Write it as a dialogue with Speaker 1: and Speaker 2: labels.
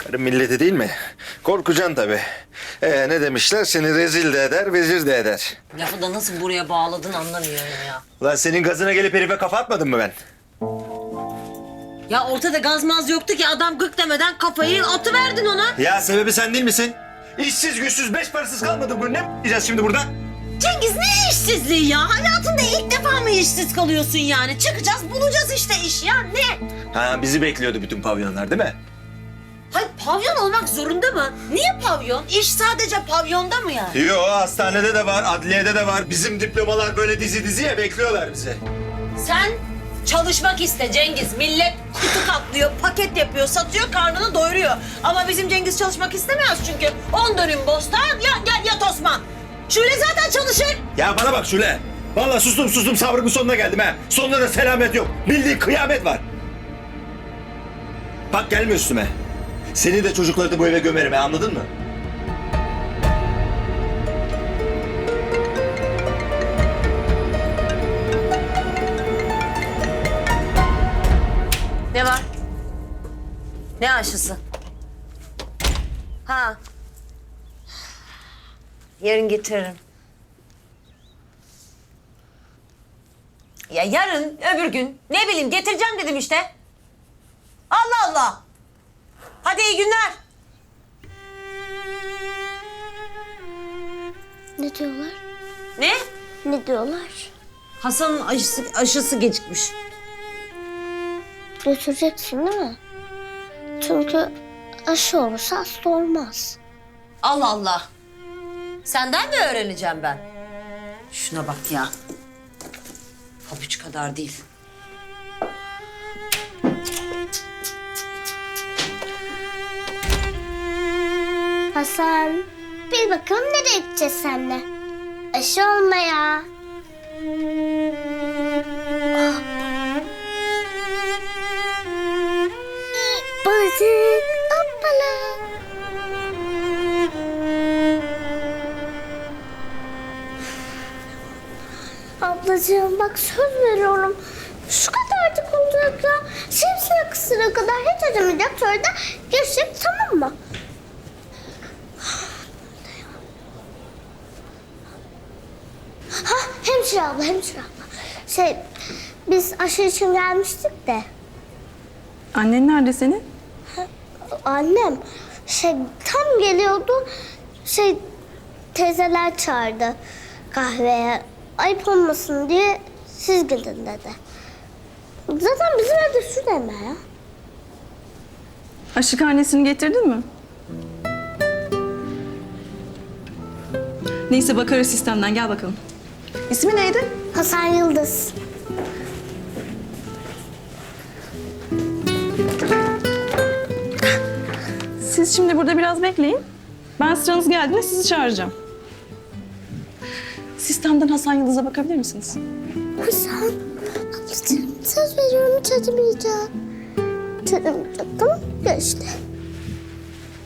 Speaker 1: Karı milleti değil mi? Korkacaksın tabii. Ne demişler? Seni rezil de eder, vezir de eder.
Speaker 2: Lafı da nasıl buraya bağladın anlamıyorum ya.
Speaker 1: Ulan senin gazına gelip herife kafa atmadım mı ben?
Speaker 2: Ya ortada gazmaz yoktu ki adam gık demeden kafayı atıverdin ona.
Speaker 1: Ya sebebi sen değil misin? İşsiz, güçsüz, beş parasız kalmadık mı? Ne diyeceğiz şimdi burada?
Speaker 2: Cengiz ne işsizliği ya? Hayatında ilk defa mı işsiz kalıyorsun yani? Çıkacağız bulacağız işte iş ya ne?
Speaker 1: Ha, bizi bekliyordu bütün pavyonlar değil mi?
Speaker 2: Hayır pavyon olmak zorunda mı? Niye pavyon? İş sadece pavyonda mı yani?
Speaker 1: Yo, hastanede de var, adliyede de var. Bizim diplomalar böyle diziye bekliyorlar bizi.
Speaker 2: Sen çalışmak iste Cengiz. Millet kutu katlıyor, paket yapıyor, satıyor, karnını doyuruyor. Ama bizim Cengiz çalışmak istemez çünkü 10 dönüm bostan, yat Osman. Şule zaten çalışır.
Speaker 1: Ya bana bak Şule. Vallahi sustum sabrımın sonuna geldim ha. Sonunda da selamet yok. Bildiğin kıyamet var. Bak gelme üstüme. Seni de çocukları da bu eve gömerim ha, anladın mı?
Speaker 2: Ne var? Ne aşısı? Ha. Yarın getiririm. Ya yarın, öbür gün. Ne bileyim getireceğim dedim işte. Allah Allah. Hadi iyi günler.
Speaker 3: Ne diyorlar?
Speaker 2: Ne?
Speaker 3: Ne diyorlar?
Speaker 2: Hasan'ın aşısı gecikmiş.
Speaker 3: Götüreceksin değil mi? Çünkü aşı olursa hasta olmaz.
Speaker 2: Allah Allah. Senden mi öğreneceğim ben? Şuna bak ya. Pabuç kadar değil.
Speaker 3: Hasan, bir bakalım nereye gideceğiz seninle? Aşı olmaya. Balık, hoppala. Ablacığım bak söz veriyorum. Şu kadarcık olacak ya. Şemsiye kısıra kadar hiç acımayacak. Sonra da geçecek, tamam mı? Ha, hemşire abla. Biz aşı için gelmiştik de.
Speaker 4: Annen nerede senin?
Speaker 3: Annem tam geliyordu. Teyzeler çağırdı kahveye. Ayıp olmasın diye siz gidin dedi. Zaten bizim evde su deme ya.
Speaker 4: Aşıkhanesini getirdin mi? Neyse bakarız sistemden, gel bakalım. İsmi neydi?
Speaker 3: Hasan Yıldız.
Speaker 4: Siz şimdi burada biraz bekleyin. Ben sıranız geldiğinde sizi çağıracağım. Sistemden Hasan Yıldız'a bakabilir misiniz?
Speaker 3: Hasan, ablacığım söz veriyorum hiç acımayacak. Hiç acımayacak, tamam mı? Gel işte.